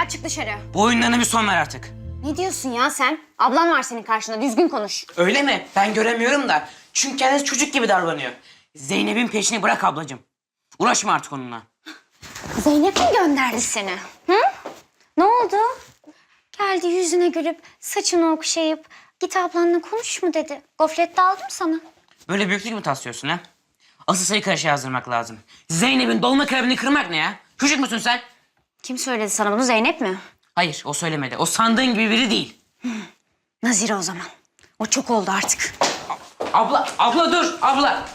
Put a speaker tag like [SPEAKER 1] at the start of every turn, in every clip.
[SPEAKER 1] ya, çık dışarı.
[SPEAKER 2] Bu oyunlarına bir son ver artık.
[SPEAKER 1] Ne diyorsun ya sen? Ablan var senin karşında, düzgün konuş.
[SPEAKER 2] Öyle mi? Ben göremiyorum da. Çünkü kendisi çocuk gibi davranıyor. Zeynep'in peşini bırak ablacığım. Uğraşma artık onunla.
[SPEAKER 1] Zeynep mi gönderdi seni? Hı? Ne oldu? Geldi yüzüne gülüp, saçını okşayıp, git ablanla konuş mu dedi. Gofret de aldım sana.
[SPEAKER 2] Böyle büyüklük mü taslıyorsun ha? Asıl sayı karışığı yazdırmak lazım. Zeynep'in dolma kalbini kırmak ne ya? Çocuk musun sen?
[SPEAKER 1] Kim söyledi sana bunu, Zeynep mi?
[SPEAKER 2] Hayır, o söylemedi. O sandığın gibi biri değil.
[SPEAKER 1] Nazire o zaman. O çok oldu artık.
[SPEAKER 2] Abla dur, abla.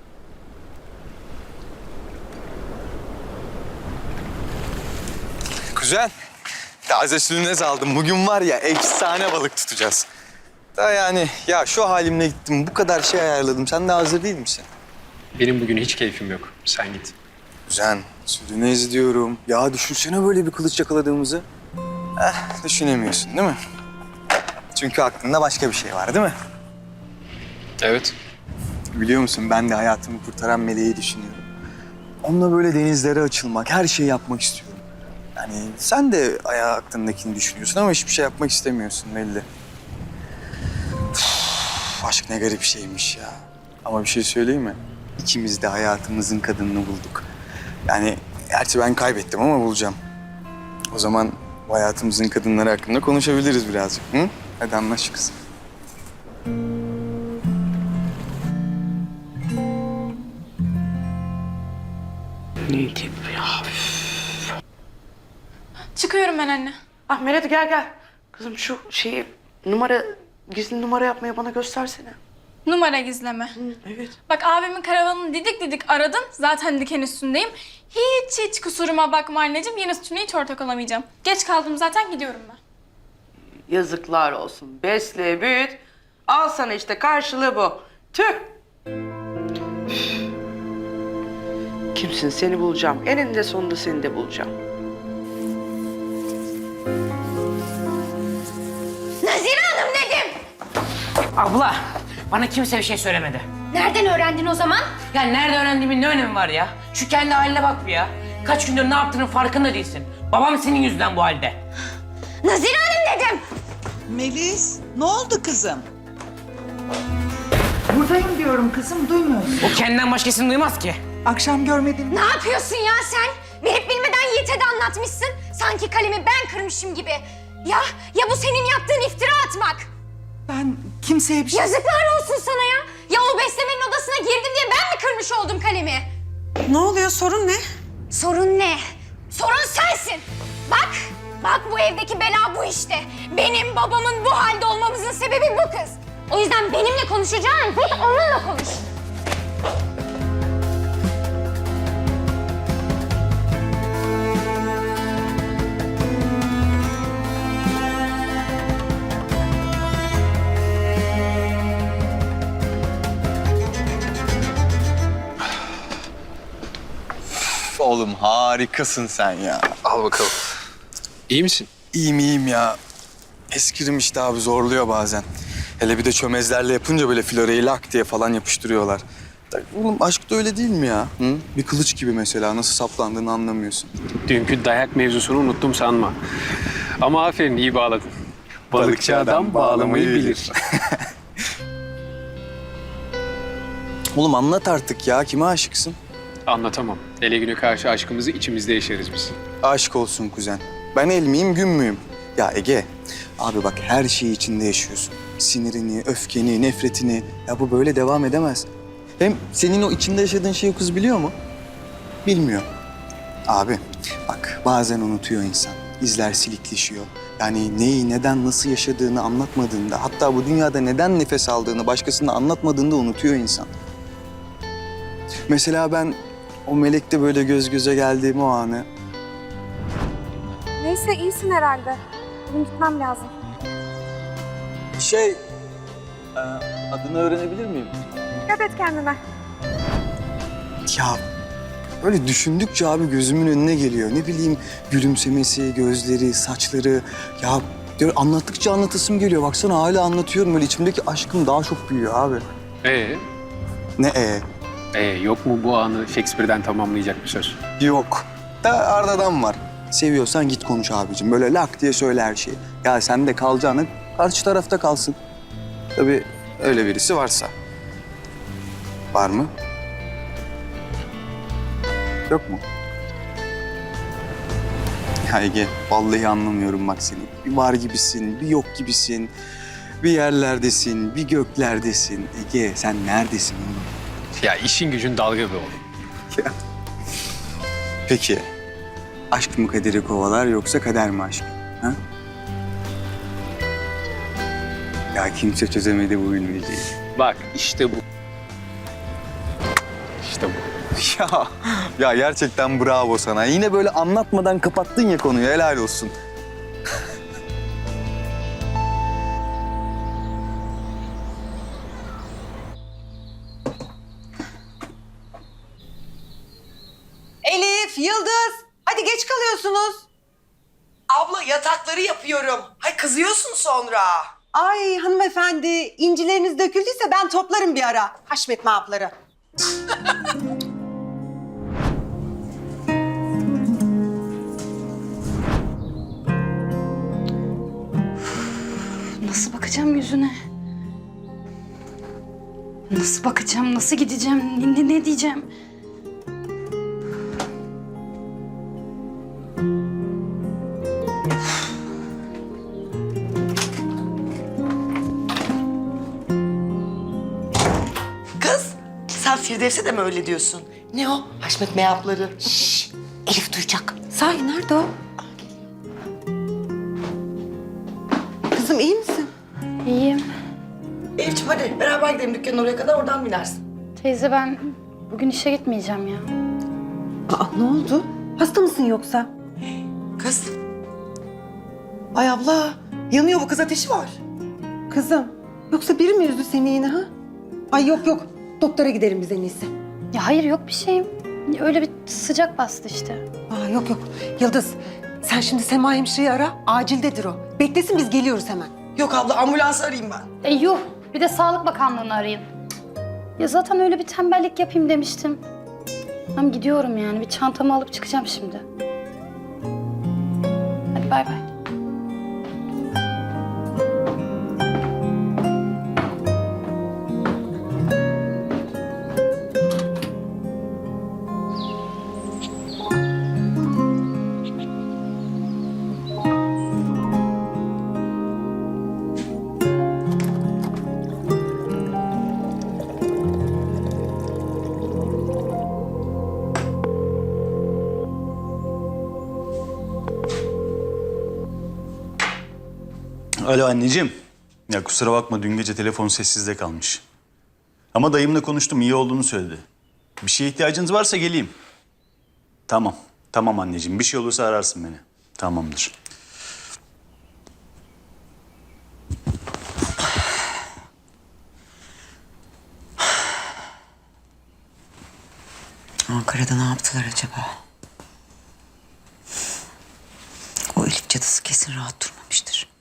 [SPEAKER 3] Kuzen, taze sülünez aldım. Bugün var ya efsane balık tutacağız. Da yani ya şu halimle gittim, bu kadar şey ayarladım. Sen de hazır değil misin?
[SPEAKER 4] Benim bugün hiç keyfim yok. Sen git.
[SPEAKER 3] Kuzen, sülünez diyorum. Ya düşünsene böyle bir kılıç yakaladığımızı. Düşünemiyorsun değil mi? Çünkü aklında başka bir şey var değil mi?
[SPEAKER 4] Evet.
[SPEAKER 3] Biliyor musun ben de hayatımı kurtaran meleği düşünüyorum. Onunla böyle denizlere açılmak, her şeyi yapmak istiyorum. Yani sen de aklındakini düşünüyorsun ama hiçbir şey yapmak istemiyorsun belli. Aşk ne garip şeymiş ya. Ama bir şey söyleyeyim mi? İkimiz de hayatımızın kadınını bulduk. Yani gerçi ben kaybettim ama bulacağım. O zaman bu hayatımızın kadınları hakkında konuşabiliriz birazcık. Hı? Hadi anlaş kızım.
[SPEAKER 5] Çıkıyorum ben anne.
[SPEAKER 6] Ah Meret gel. Kızım şu şeyi gizli numara yapmayı bana göstersene.
[SPEAKER 5] Numara gizleme.
[SPEAKER 6] Evet.
[SPEAKER 5] Bak abimin karavanını didik didik aradım. Zaten diken üstündeyim. Hiç kusuruma bakma anneciğim. Yeni sütüne hiç ortak olamayacağım. Geç kaldım zaten, gidiyorum ben.
[SPEAKER 6] Yazıklar olsun. Besle, büyüt. Al sana işte karşılığı bu. Tüh. Üf. Kimsin, seni bulacağım. Eninde sonunda seni de bulacağım.
[SPEAKER 1] Nazire Hanım dedim!
[SPEAKER 2] Abla, bana kimse bir şey söylemedi.
[SPEAKER 1] Nereden öğrendin o zaman?
[SPEAKER 2] Ya nerede öğrendiğimin ne önemi var ya? Şu kendi haline bak bir ya. Kaç gündür ne yaptığının farkında değilsin. Babam senin yüzünden bu halde.
[SPEAKER 1] Nazire Hanım dedim!
[SPEAKER 7] Melis, ne oldu kızım?
[SPEAKER 8] Buradayım diyorum kızım, duymuyorsun.
[SPEAKER 2] O kendinden başkasını duymaz ki.
[SPEAKER 8] Akşam görmedim.
[SPEAKER 1] Ne yapıyorsun ya sen? Bilip bilmeden Yiğit'e de anlatmışsın. Sanki kalemi ben kırmışım gibi. Ya bu senin yaptığın iftira atmak.
[SPEAKER 8] Ben kimseye bir şey...
[SPEAKER 1] Yazıklar olsun sana ya. Ya o beslemenin odasına girdim diye ben mi kırmış oldum kalemi?
[SPEAKER 8] Ne oluyor, sorun ne?
[SPEAKER 1] Sorun ne? Sorun sensin. Bak bu evdeki bela bu işte. Benim babamın bu halde olmamızın sebebi bu kız. O yüzden benimle konuşacağın git onunla konuş.
[SPEAKER 3] Oğlum harikasın sen ya.
[SPEAKER 4] Al bakalım. İyi misin?
[SPEAKER 3] İyiyim ya. Eskirim işte abi, zorluyor bazen. Hele bir de çömezlerle yapınca böyle floreyi lak diye falan yapıştırıyorlar. Oğlum aşk da öyle değil mi ya? Hı? Bir kılıç gibi mesela, nasıl saplandığını anlamıyorsun.
[SPEAKER 4] Dünkü dayak mevzusunu unuttum sanma. Ama aferin, iyi bağladın. Balıkçı adam bağlamayı bilir.
[SPEAKER 3] Oğlum anlat artık ya, kime aşıksın?
[SPEAKER 4] Anlatamam. Ele güne karşı aşkımızı içimizde yaşarız biz.
[SPEAKER 3] Aşk olsun kuzen. Ben el miyim, gün müyüm? Ya Ege, abi bak her şeyi içinde yaşıyorsun. Sinirini, öfkeni, nefretini. Ya bu böyle devam edemez. Hem senin o içinde yaşadığın şeyi kız biliyor mu? Bilmiyor. Abi bak bazen unutuyor insan. İzler silikleşiyor. Yani neyi, neden, nasıl yaşadığını anlatmadığında, hatta bu dünyada neden nefes aldığını başkasına anlatmadığında unutuyor insan. Mesela ben o melekle böyle göz göze geldiğim o anı...
[SPEAKER 9] Neyse iyisin herhalde. Benim gitmem lazım.
[SPEAKER 3] adını öğrenebilir miyim?
[SPEAKER 9] Dikkat et kendine.
[SPEAKER 3] Ya böyle düşündükçe abi gözümün önüne geliyor. Ne bileyim gülümsemesi, gözleri, saçları. Ya diyor, anlattıkça anlatasım geliyor. Baksana hala anlatıyorum. Böyle içimdeki aşkım daha çok büyüyor abi. Ne
[SPEAKER 4] Yok mu bu anı Shakespeare'den tamamlayacak bir söz?
[SPEAKER 3] Yok. Da Arda'dan var. Seviyorsan git konuş abicim. Böyle lak diye söyle her şeyi. Ya sen de kalacağını karşı tarafta kalsın. Tabii öyle birisi varsa. Var mı? Yok mu? Ya Ege, vallahi anlamıyorum bak seni. Bir var gibisin, bir yok gibisin. Bir yerlerdesin, bir göklerdesin. Ege, sen neredesin oğlum?
[SPEAKER 4] Ya işin gücün dalga be oğlum.
[SPEAKER 3] Peki, aşk mı kaderi kovalar yoksa kader mi aşkı? Ha? Ya kimse çözemedi bu bilmeceyi.
[SPEAKER 4] Bak işte bu. İşte bu.
[SPEAKER 3] Ya gerçekten bravo sana. Yine böyle anlatmadan kapattın ya konuyu, helal olsun.
[SPEAKER 8] Elif, Yıldız. Hadi geç kalıyorsunuz.
[SPEAKER 10] Abla yatakları yapıyorum. Hay kızıyorsun sonra.
[SPEAKER 8] Ay hanımefendi, incileriniz döküldüyse ben toplarım bir ara. Haşmetme hapları.
[SPEAKER 1] Nasıl bakacağım yüzüne? Nasıl bakacağım, nasıl gideceğim, ne diyeceğim?
[SPEAKER 10] Kız sen Firdevs'e de mi öyle diyorsun? Ne o? Haşmet meyapları. Şşş, Elif duyacak.
[SPEAKER 8] Sahi nerede o? Kızım iyi misin?
[SPEAKER 1] İyiyim.
[SPEAKER 10] Elif'ciğim hadi beraber gidelim dükkanın oraya kadar oradan binersin.
[SPEAKER 1] Teyze ben bugün işe gitmeyeceğim ya.
[SPEAKER 8] Aa ne oldu? Hasta mısın yoksa?
[SPEAKER 10] Kız. Ay abla yanıyor bu kız ateşi var.
[SPEAKER 8] Kızım, yoksa biri mi üzdü seni yine ha? Ay yok yok, doktora gidelim biz en iyisi.
[SPEAKER 1] Ya hayır yok bir şeyim. Öyle bir sıcak bastı işte.
[SPEAKER 8] Aa yok yok, Yıldız sen şimdi Sema hemşireyi ara, acildedir o. Beklesin biz geliyoruz hemen.
[SPEAKER 10] Yok abla ambulans arayayım ben.
[SPEAKER 1] Yuh bir de Sağlık Bakanlığı'nı arayın. Ya zaten öyle bir tembellik yapayım demiştim. Hem gidiyorum yani bir çantamı alıp çıkacağım şimdi. Hadi bay bay.
[SPEAKER 11] Alo anneciğim. Ya kusura bakma dün gece telefon sessizde kalmış. Ama dayımla konuştum iyi olduğunu söyledi. Bir şeye ihtiyacınız varsa geleyim. Tamam. Tamam anneciğim. Bir şey olursa ararsın beni. Tamamdır.
[SPEAKER 10] Ankara'da ne yaptılar acaba? O Elif cadısı kesin rahat durmamıştır.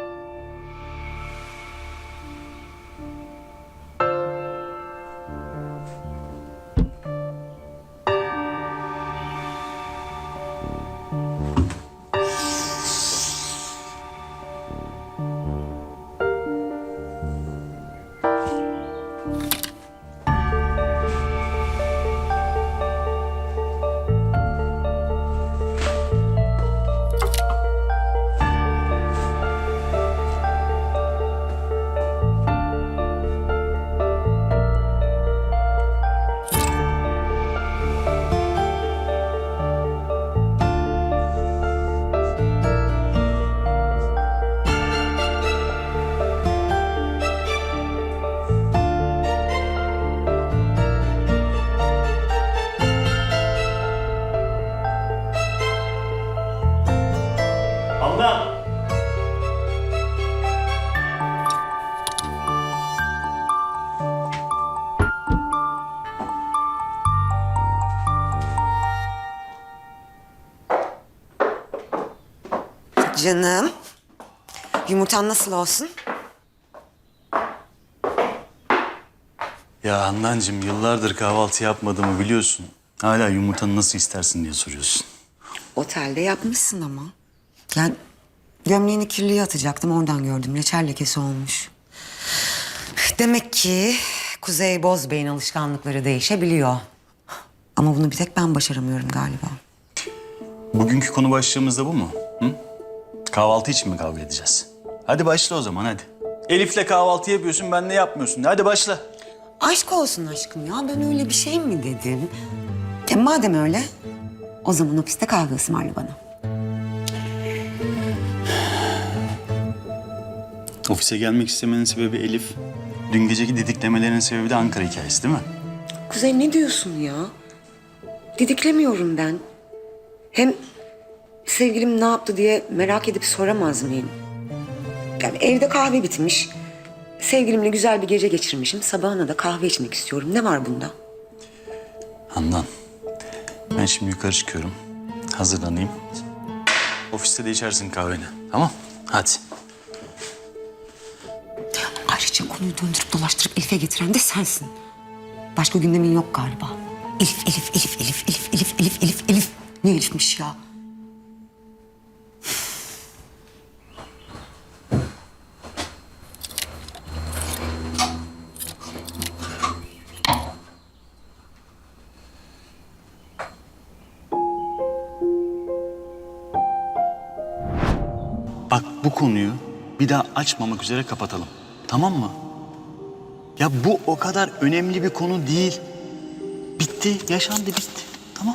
[SPEAKER 11] Abla.
[SPEAKER 10] Canım. Yumurtan nasıl olsun?
[SPEAKER 11] Ya Handancığım yıllardır kahvaltı yapmadığımı biliyorsun. Hala yumurtanı nasıl istersin diye soruyorsun.
[SPEAKER 8] Otelde yapmışsın ama. Yani gömleğini kirliye atacaktım, oradan gördüm. Reçel lekesi olmuş. Demek ki Kuzey Bozbey'in alışkanlıkları değişebiliyor. Ama bunu bir tek ben başaramıyorum galiba.
[SPEAKER 11] Bugünkü konu başlığımız da bu mu? Hı? Kahvaltı için mi kavga edeceğiz? Hadi başla o zaman hadi. Elif'le kahvaltı yapıyorsun, benle yapmıyorsun. Hadi başla.
[SPEAKER 8] Aşk olsun aşkım ya, ben öyle bir şey mi dedim? Madem öyle, o zaman ofiste kahve ısmarla bana.
[SPEAKER 11] Ofise gelmek istemenin sebebi Elif. Dün geceki didiklemelerinin sebebi de Ankara hikayesi değil mi?
[SPEAKER 8] Kuzey ne diyorsun ya? Didiklemiyorum ben. Hem sevgilim ne yaptı diye merak edip soramaz mıyım? Yani evde kahve bitmiş. Sevgilimle güzel bir gece geçirmişim. Sabahına da kahve içmek istiyorum. Ne var bunda?
[SPEAKER 11] Handan, ben şimdi yukarı çıkıyorum. Hazırlanayım. Ofiste de içersin kahveni. Tamam? Hadi.
[SPEAKER 8] Ayrıca konuyu döndürüp dolaştırıp Elif'e getiren de sensin. Başka gündemin yok galiba. Elif, Elif, Elif, Elif, Elif, Elif, Elif, Elif, Elif. Ne Elif'miş ya?
[SPEAKER 11] Bak bu konuyu bir daha açmamak üzere kapatalım. Tamam mı? Ya bu o kadar önemli bir konu değil. Bitti, yaşandı, bitti. Tamam.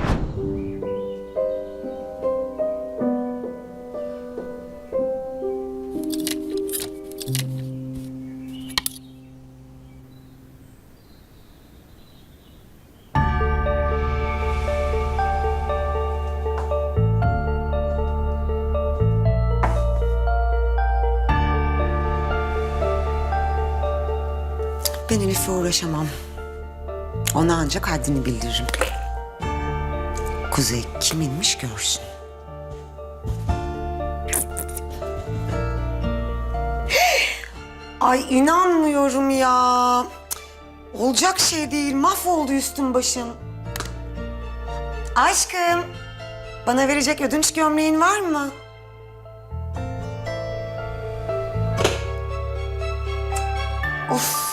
[SPEAKER 8] Ben Elif'le uğraşamam. Ona ancak haddini bildiririm. Kuzey kiminmiş görsün. Ay inanmıyorum ya. Olacak şey değil. Mahvoldu üstün başın. Aşkım, bana verecek ödünç gömleğin var mı? Of.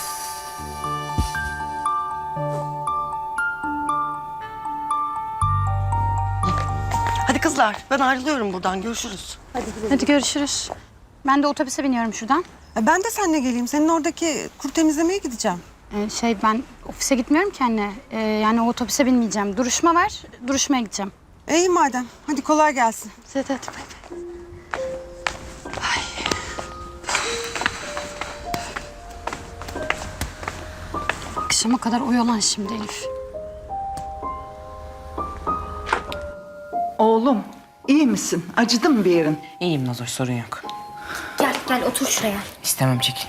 [SPEAKER 10] Hadi kızlar, ben ayrılıyorum buradan. Görüşürüz.
[SPEAKER 9] Hadi görüşürüz. Ben de otobüse biniyorum şuradan.
[SPEAKER 8] Ben de seninle geleyim. Senin oradaki kuru temizlemeye gideceğim.
[SPEAKER 9] Ben ofise gitmiyorum ki anne. Yani o otobüse binmeyeceğim. Duruşma var, duruşmaya gideceğim.
[SPEAKER 8] İyi madem. Hadi kolay gelsin.
[SPEAKER 9] Hadi bay bay. Akşama kadar oyalan şimdi Elif.
[SPEAKER 7] Oğlum, iyi misin? Acıdı mı bir yerin?
[SPEAKER 2] İyiyim Nazoş, sorun yok.
[SPEAKER 1] Gel otur şuraya.
[SPEAKER 2] İstemem, çekil.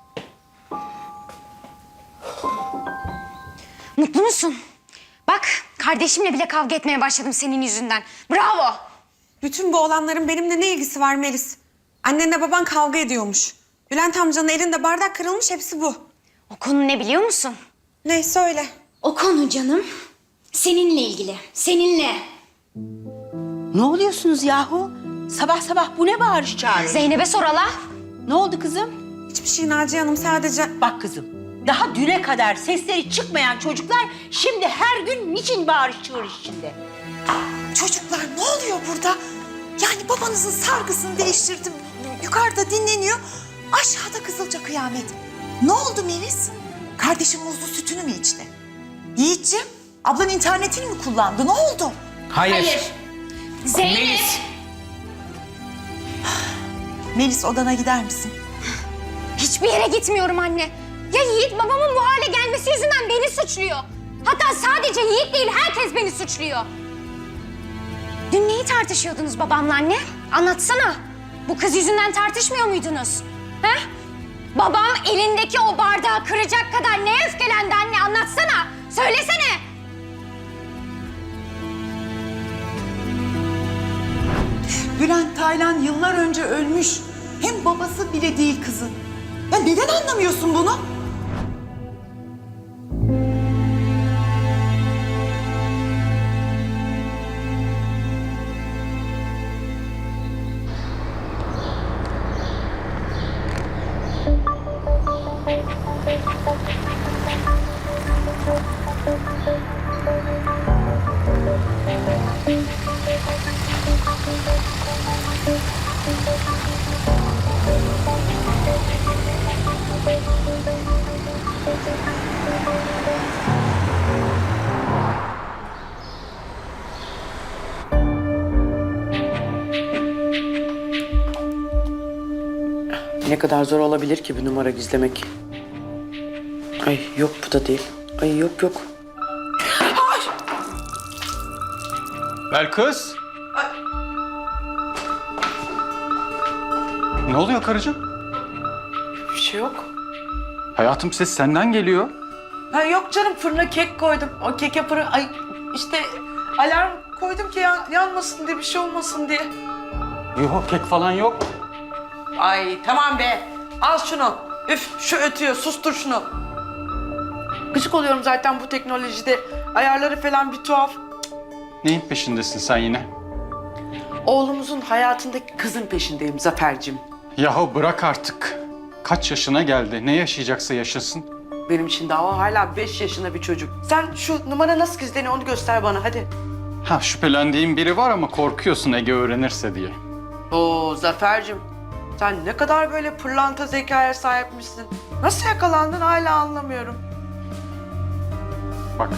[SPEAKER 1] Mutlu musun? Bak kardeşimle bile kavga etmeye başladım senin yüzünden. Bravo.
[SPEAKER 12] Bütün bu olanların benimle ne ilgisi var Melis? Annenle baban kavga ediyormuş. Bülent amcanın elinde bardak kırılmış, hepsi bu.
[SPEAKER 1] O konu ne biliyor musun?
[SPEAKER 12] Ne söyle.
[SPEAKER 1] O konu canım seninle ilgili. Seninle.
[SPEAKER 10] Ne oluyorsunuz yahu? Sabah sabah bu ne bağırış çağırış?
[SPEAKER 1] Zeynep'e sor hala.
[SPEAKER 10] Ne oldu kızım?
[SPEAKER 12] Hiçbir şey Naciye Hanım, sadece...
[SPEAKER 10] Bak kızım, daha düne kadar sesleri çıkmayan çocuklar şimdi her gün niçin bağırış çağırış içinde?
[SPEAKER 12] Çocuklar ne oluyor burada? Yani babanızın sargısını değiştirdim. Yukarıda dinleniyor. Aşağıda Kızılca kıyamet. Ne oldu Melis? Kardeşim muzlu sütünü mü içti? Yiğitciğim, ablan internetini mi kullandı? Ne oldu?
[SPEAKER 2] Hayır.
[SPEAKER 1] Zeynep.
[SPEAKER 2] Melis.
[SPEAKER 12] Melis, odana gider misin?
[SPEAKER 1] Hiçbir yere gitmiyorum anne. Ya Yiğit babamın bu hale gelmesi yüzünden beni suçluyor. Hatta sadece Yiğit değil, herkes beni suçluyor. Dün neyi tartışıyordunuz babamla anne? Anlatsana. Bu kız yüzünden tartışmıyor muydunuz? He? Babam elindeki o bardağı kıracak kadar neye öfkelendi anne? Anlatsana. Söylesene.
[SPEAKER 12] Bülent Taylan yıllar önce ölmüş. Hem babası bile değil kızın. Ya neden anlamıyorsun bunu?
[SPEAKER 6] Ne kadar zor olabilir ki bir numara gizlemek? Ay yok bu da değil. Ay yok yok.
[SPEAKER 11] Belkıs. Ne oluyor karıcığım?
[SPEAKER 6] Bir şey yok.
[SPEAKER 11] Hayatım ses senden geliyor.
[SPEAKER 6] Ha yok canım fırına kek koydum. O kek yaparı ay işte alarm koydum ki yanmasın diye bir şey olmasın diye.
[SPEAKER 11] Yok kek falan yok.
[SPEAKER 6] Ay tamam be. Al şunu. Üf şu ötüyor. Sustur şunu. Gıcık oluyorum zaten bu teknolojide. Ayarları falan bir tuhaf.
[SPEAKER 11] Neyin peşindesin sen yine?
[SPEAKER 6] Oğlumuzun hayatındaki kızın peşindeyim Zafer'cim.
[SPEAKER 11] Yahu bırak artık. Kaç yaşına geldi? Ne yaşayacaksa yaşasın.
[SPEAKER 6] Benim için daha o hala 5 yaşında bir çocuk. Sen şu numara nasıl gizleniyor onu göster bana hadi.
[SPEAKER 11] Ha şüphelendiğim biri var ama korkuyorsun Ege öğrenirse diye.
[SPEAKER 6] Oo Zafer'cim. Sen ne kadar böyle pırlanta zekaya sahipmişsin. Nasıl yakalandın hala anlamıyorum.
[SPEAKER 11] Bak.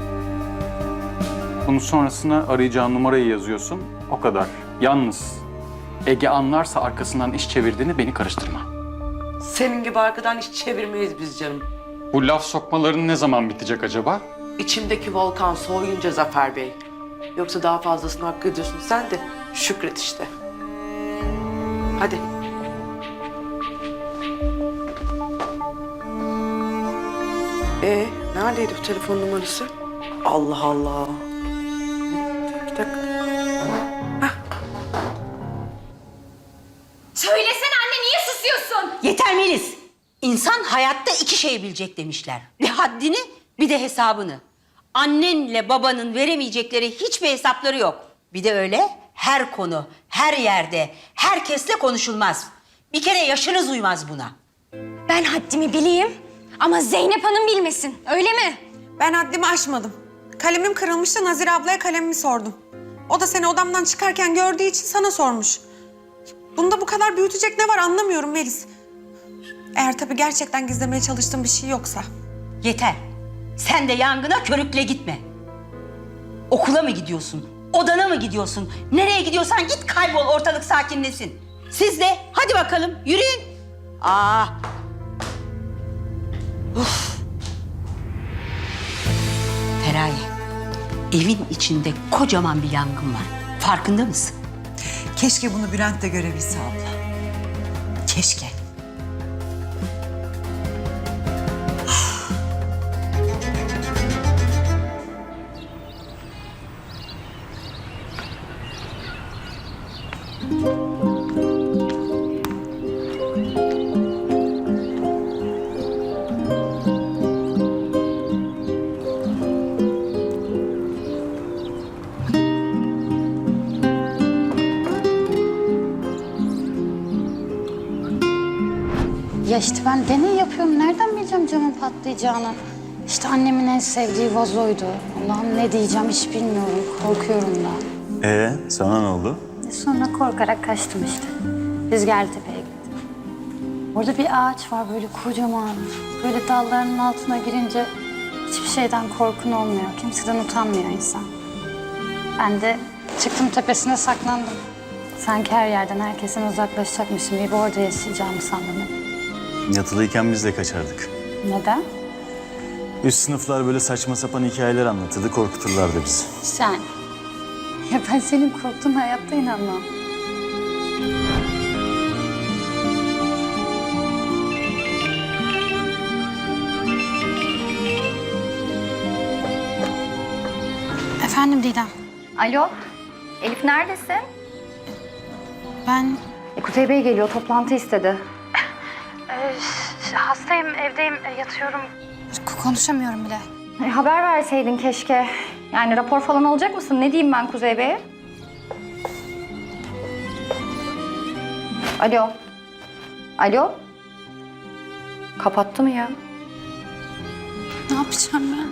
[SPEAKER 11] Bunun sonrasına arayacağın numarayı yazıyorsun. O kadar. Yalnız Ege anlarsa arkasından iş çevirdiğini beni karıştırma.
[SPEAKER 6] Senin gibi arkadan hiç çevirmeyiz biz canım.
[SPEAKER 11] Bu laf sokmaların ne zaman bitecek acaba?
[SPEAKER 6] İçimdeki volkan soğuyunca Zafer Bey. Yoksa daha fazlasını hak ediyorsun. Sen de şükret işte. Hadi. Neredeydi bu telefon numarası? Allah Allah. Bir dakika.
[SPEAKER 1] Söylesene anne, niye susuyorsun?
[SPEAKER 13] Yeter Melis. İnsan hayatta iki şey bilecek demişler. Bir haddini bir de hesabını. Annenle babanın veremeyecekleri hiçbir hesapları yok. Bir de öyle her konu, her yerde, herkesle konuşulmaz. Bir kere yaşınız uymaz buna.
[SPEAKER 1] Ben haddimi bileyim ama Zeynep Hanım bilmesin, öyle mi?
[SPEAKER 12] Ben haddimi aşmadım. Kalemim kırılmıştı, Nazire ablaya kalemimi sordum. O da seni odamdan çıkarken gördüğü için sana sormuş. Bunda bu kadar büyütecek ne var anlamıyorum Melis. Eğer tabii gerçekten gizlemeye çalıştığım bir şey yoksa.
[SPEAKER 13] Yeter. Sen de yangına körükle gitme. Okula mı gidiyorsun? Odana mı gidiyorsun? Nereye gidiyorsan git kaybol, ortalık sakinleşsin. Siz de hadi bakalım yürüyün. Uf. Feraye, evin içinde kocaman bir yangın var. Farkında mısın?
[SPEAKER 12] Keşke bunu Bülent de görebilse abla. Keşke.
[SPEAKER 9] Ya işte ben deney yapıyorum. Nereden bileceğim camın patlayacağını? İşte annemin en sevdiği vazoydu. Allah'ım ne diyeceğim hiç bilmiyorum. Korkuyorum da.
[SPEAKER 11] Sana ne oldu?
[SPEAKER 9] Sonra korkarak kaçtım işte. Rüzgartepe'ye gittim. Orada bir ağaç var böyle kocaman. Böyle dallarının altına girince hiçbir şeyden korkun olmuyor. Kimseden utanmıyor insan. Ben de çıktım tepesine saklandım. Sanki her yerden herkesten uzaklaşacakmışım gibi orada yaşayacağımı sandım hep.
[SPEAKER 11] Yatılıyken biz de kaçardık.
[SPEAKER 9] Neden?
[SPEAKER 11] Üst sınıflar böyle saçma sapan hikayeler anlatırdı, korkuturlardı bizi.
[SPEAKER 9] Sen. Ya ben senin korktuğun hayatta inanmam. Efendim Didem.
[SPEAKER 1] Alo, Elif neredesin?
[SPEAKER 9] Ben
[SPEAKER 1] Kuzey Bey geliyor, toplantı istedi.
[SPEAKER 9] hastayım, evdeyim, yatıyorum. Konuşamıyorum bile.
[SPEAKER 1] Haber verseydin keşke. Yani rapor falan alacak mısın? Ne diyeyim ben Kuzey Bey'e? Alo. Alo. Kapattı mı ya?
[SPEAKER 5] Ne yapacağım ben?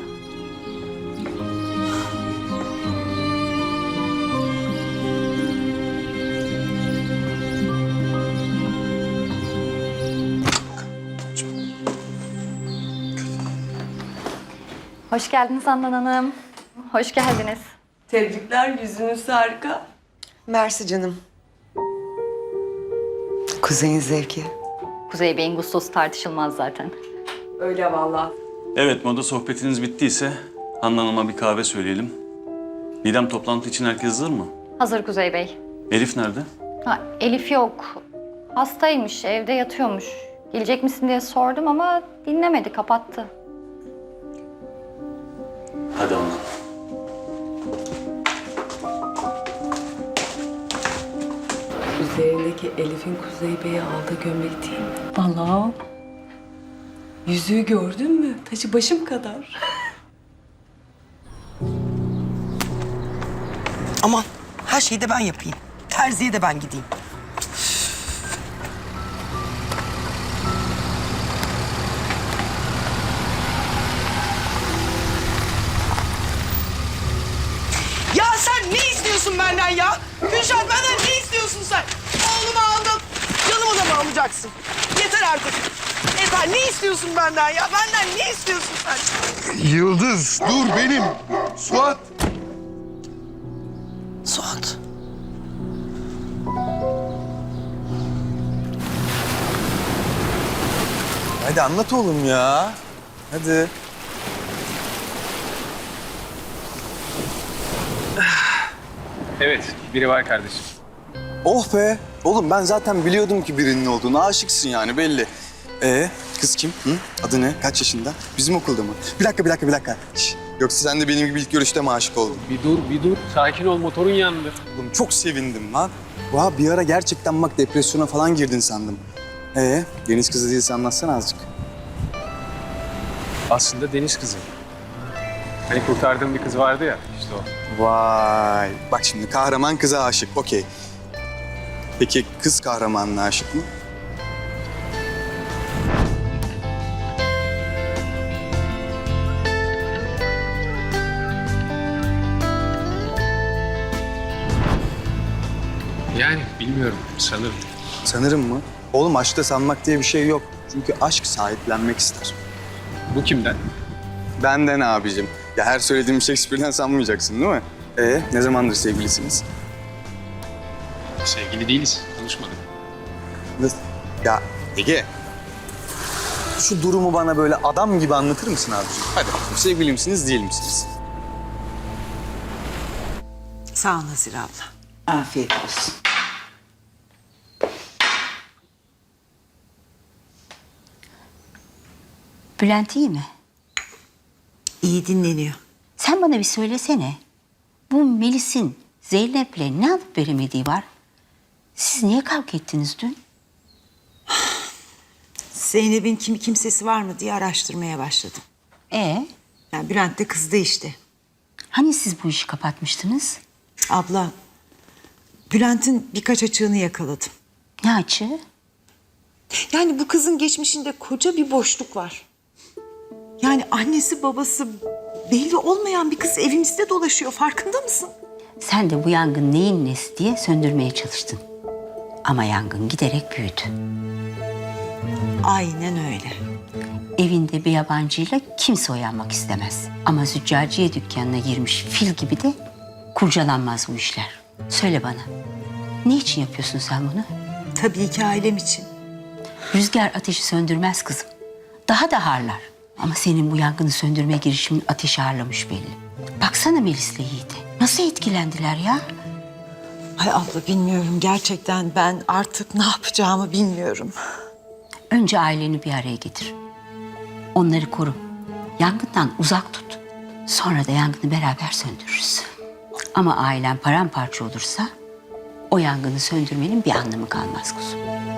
[SPEAKER 9] Hoş geldiniz Handan Hanım. Hoş geldiniz.
[SPEAKER 10] Tebrikler, yüzünüz harika.
[SPEAKER 8] Mersi canım. Kuzey'in zevki.
[SPEAKER 9] Kuzey Bey'in gustosu tartışılmaz zaten.
[SPEAKER 10] Öyle vallahi.
[SPEAKER 11] Evet, moda sohbetiniz bittiyse Handan Hanım'a bir kahve söyleyelim. Didem, toplantı için herkes hazır mı?
[SPEAKER 9] Hazır Kuzey Bey.
[SPEAKER 11] Elif nerede?
[SPEAKER 9] Ha, Elif yok. Hastaymış, evde yatıyormuş. Gelecek misin diye sordum ama dinlemedi, kapattı.
[SPEAKER 11] Hadi Handan.
[SPEAKER 10] Üzerindeki Elif'in Kuzey Bey'e aldığı gömlek değil mi? Vallahi. Yüzüğü gördün mü? Taşı başım kadar.
[SPEAKER 12] Aman her şeyi de ben yapayım. Terziye de ben gideyim. Ya sen ne istiyorsun benden ya? Gülşah benden ne istiyorsun sen? Oğlumu aldın. Canımı da mı alacaksın? Yeter artık. Yeter. Ne istiyorsun benden ya? Benden ne istiyorsun sen?
[SPEAKER 14] Yıldız, dur benim. Suat.
[SPEAKER 12] Suat.
[SPEAKER 3] Hadi anlat oğlum ya. Hadi.
[SPEAKER 4] Evet, biri var kardeşim.
[SPEAKER 3] Oh be. Oğlum ben zaten biliyordum ki birinin olduğunu. Aşıksın yani belli. Kız kim? Hı? Adı ne? Kaç yaşında? Bizim okulda mı? Bir dakika. Şş, yoksa sen de benim gibi ilk görüşte mi aşık oldun?
[SPEAKER 4] Bir dur. Sakin ol, motorun yandı.
[SPEAKER 3] Oğlum çok sevindim lan. Vah bir ara gerçekten bak depresyona falan girdin sandım. Deniz kızı değilse anlatsana azıcık.
[SPEAKER 4] Aslında deniz kızı. Hani kurtardığım bir kız vardı ya, işte o.
[SPEAKER 3] Vay. Bak şimdi kahraman kıza aşık. Okey. Peki kız kahramanına aşık mı?
[SPEAKER 4] Yani bilmiyorum, sanırım.
[SPEAKER 3] Sanırım mı? Oğlum aşkta sanmak diye bir şey yok. Çünkü aşk sahiplenmek ister.
[SPEAKER 4] Bu kimden?
[SPEAKER 3] Benden abicim. Ya her söylediğim Shakespeare'den sanmayacaksın değil mi? Ne zamandır sevgilisiniz?
[SPEAKER 4] Sevgili değiliz, konuşmadık.
[SPEAKER 3] Nasıl? Ya Ege. Şu durumu bana böyle adam gibi anlatır mısın abicim? Hadi sevgili misiniz, değil misiniz?
[SPEAKER 12] Sağ ol Nazire abla.
[SPEAKER 7] Afiyet olsun.
[SPEAKER 13] Bülent iyi mi?
[SPEAKER 12] İyi dinleniyor.
[SPEAKER 13] Sen bana bir söylesene. Bu Melis'in Zeynep'le ne alıp veremediği var? Siz niye kavga ettiniz dün?
[SPEAKER 12] Zeynep'in kimsesi var mı diye araştırmaya başladım. Yani Bülent de kızdı işte.
[SPEAKER 13] Hani siz bu işi kapatmıştınız?
[SPEAKER 12] Abla, Bülent'in birkaç açığını yakaladım.
[SPEAKER 13] Ne açığı?
[SPEAKER 12] Yani bu kızın geçmişinde koca bir boşluk var. Yani annesi babası belli olmayan bir kız evimizde dolaşıyor. Farkında mısın?
[SPEAKER 13] Sen de bu yangın neyin nesi diye söndürmeye çalıştın. Ama yangın giderek büyüdü.
[SPEAKER 12] Aynen öyle.
[SPEAKER 13] Evinde bir yabancıyla kimse uyanmak istemez. Ama züccaciye dükkanına girmiş fil gibi de kurcalanmaz bu işler. Söyle bana, ne için yapıyorsun sen bunu?
[SPEAKER 12] Tabii ki ailem için.
[SPEAKER 13] Rüzgar ateşi söndürmez kızım. Daha da harlar. Ama senin bu yangını söndürme girişimin ateşi harlamış belli. Baksana Melis'le Yiğit'e. Nasıl etkilendiler ya?
[SPEAKER 12] Ay abla bilmiyorum gerçekten ben artık ne yapacağımı bilmiyorum.
[SPEAKER 13] Önce aileni bir araya getir. Onları koru. Yangından uzak tut. Sonra da yangını beraber söndürürüz. Ama ailen paramparça olursa o yangını söndürmenin bir anlamı kalmaz kuzum.